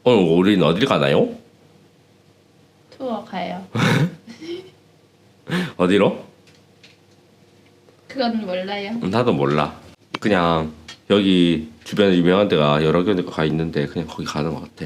오늘 우리는 어딜 가나요? 투어 가요. 어디로? 그건 몰라요. 나도 몰라. 그냥 여기 주변에 유명한 데가 여러 개가 있는데 그냥 거기 가는 것 같아.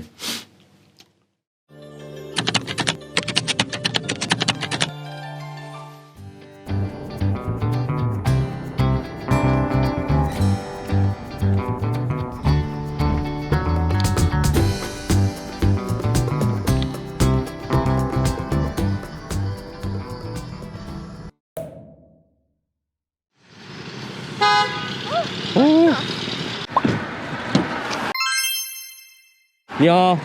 야.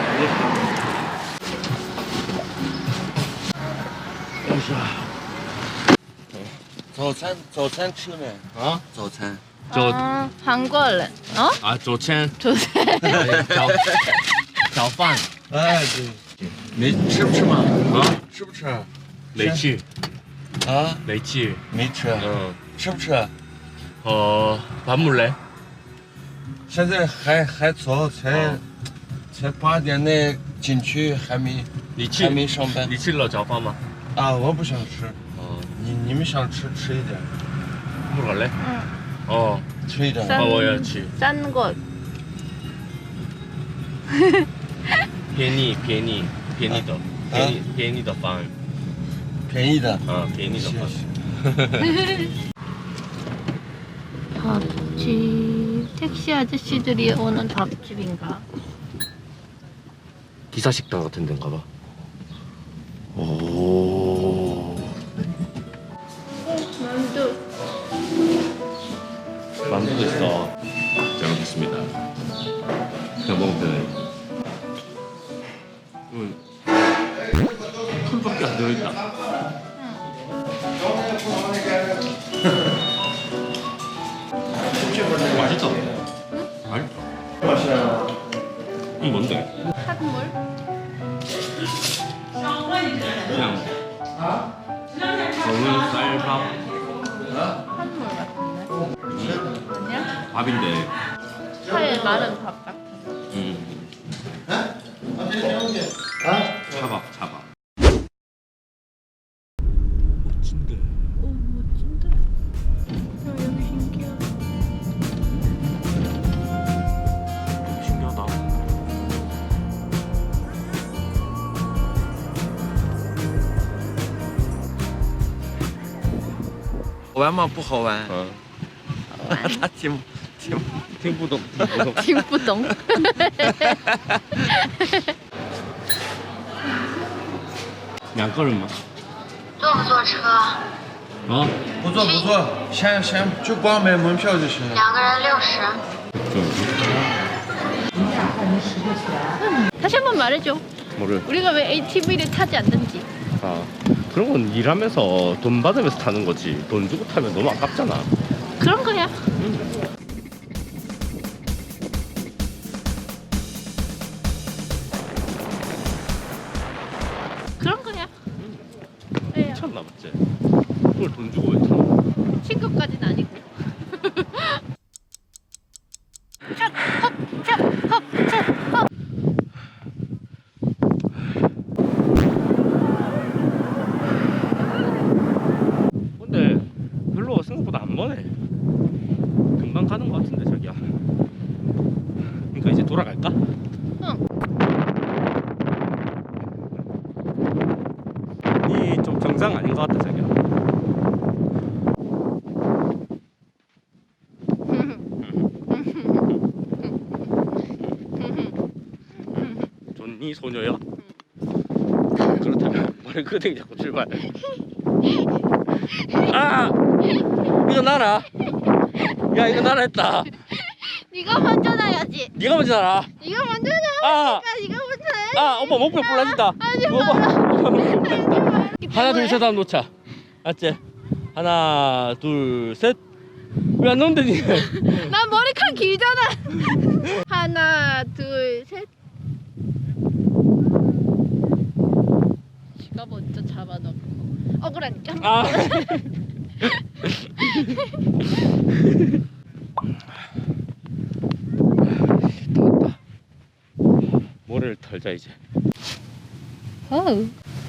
早餐吃了没？ 啊， 早餐。 아, 한국인. 어? 啊，左千 조세. 早饭哎，对，没吃不吃嘛？ 啊， 吃不吃？ 没去啊， 没去， 没吃。吃不吃？ 밥 먹을래? 现在还早，才8点呢，景区还没上班。 你吃了早饭吗？ 啊，我不想吃。你们想吃吃一点， 먹을래? 응. 吃一点。 싼- 我要去。 싼 곳. 便宜的便宜的饭， 便宜的。 便宜的饭。 밥집. 택시 아저씨들이 오는 밥집인가? 기사식당 같은 데인가 봐. 오. 만두. 만두도 있어. 잘 먹겠습니다. 그냥 먹으면 되네. 풀밖에 안 들어있다. 맛있다. 맛있다. 이게 뭔데? 한물? 그냥 저는 쌀밥 한물 같은데? 아니야? 밥인데. 차에 마른 밥 같은 거. 차밥. 멋진데. 오, 멋진데? 여기 신기하다. 신기하다. 好玩吗？不好玩。他听听不懂。 听不懂. 两个人吗？ 坐不坐车？ 啊？ 不坐，先就光买门票就行了。 2个人60。 다시 한번 말해줘. 뭐를? 우리가 왜 ATV를 타지 않는지. 아, 그런 건 일하면서 돈 받으면서 타는 거지. 돈 주고 타면 너무 아깝잖아. 그런 거야. 그런 거야. 왜요? 미쳤나 맞지? 그걸 돈 주고 왜 타? 친구까지는 아니고. 샷, 헛, 샷, 헛, 샷, 헛. 근데 별로 생각보다 안 머네. 금방 가는 거 같은데 자기야. 그러니까 이제 돌아갈까? 응. 이 좀 정상 아닌 것 같다 자기야. 좋니 소녀야? 그렇다면 머리끄댕이 자꾸 출발. 아! 이거 나라. 야 이거 나라 했다. 네가 먼저 나야지. 네가 먼저 나라. 네가 먼저 나. 아! 네가 먼저 나야지. 아 오빠 목표 불러진다. 하지 오빠 마라. 목표 불러진다. 하나 뭐해? 둘셋 하면 놓자. 알았지? 하나 둘 셋. 왜 안 넣는데 니? 난 머리카락 길잖아. 하나, 둘, 셋. 지가 먼저 잡아놓고 억울하니까. 아. 더웠다. 모래를 털자 이제. 어우.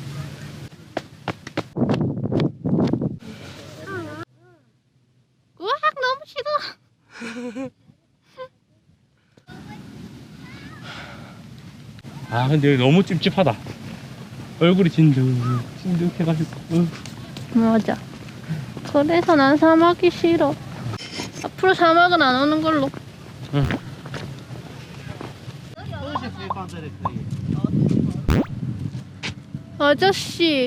우와, 너무 싫어. 아 근데 여기 너무 찝찝하다. 얼굴이 진득해가지고. 맞아. 그래서 난 사막이 싫어. 앞으로 사막은 안 오는 걸로. 응. 아저씨.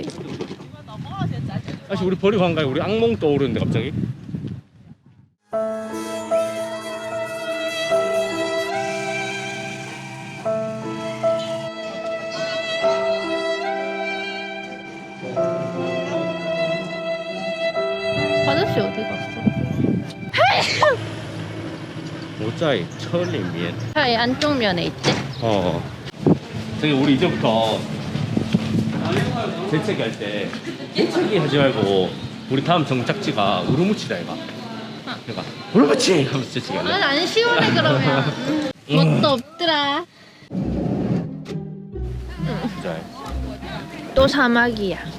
아씨 우리 버리고 간 거야. 우리 악몽 떠오르는데 갑자기. 아저씨 어디 갔어? 我在车里面. 차의 안쪽 면에 있대. 어. 저기 우리 이제부터 재채기 할 때 재채기 하지 말고 우리 다음 정착지가 우르무치다 이가. 그러니까 우르무치 하면서 재채기 할래. 안 시원해 그러면. 뭣도 없더라. 진짜. 또 사막이야.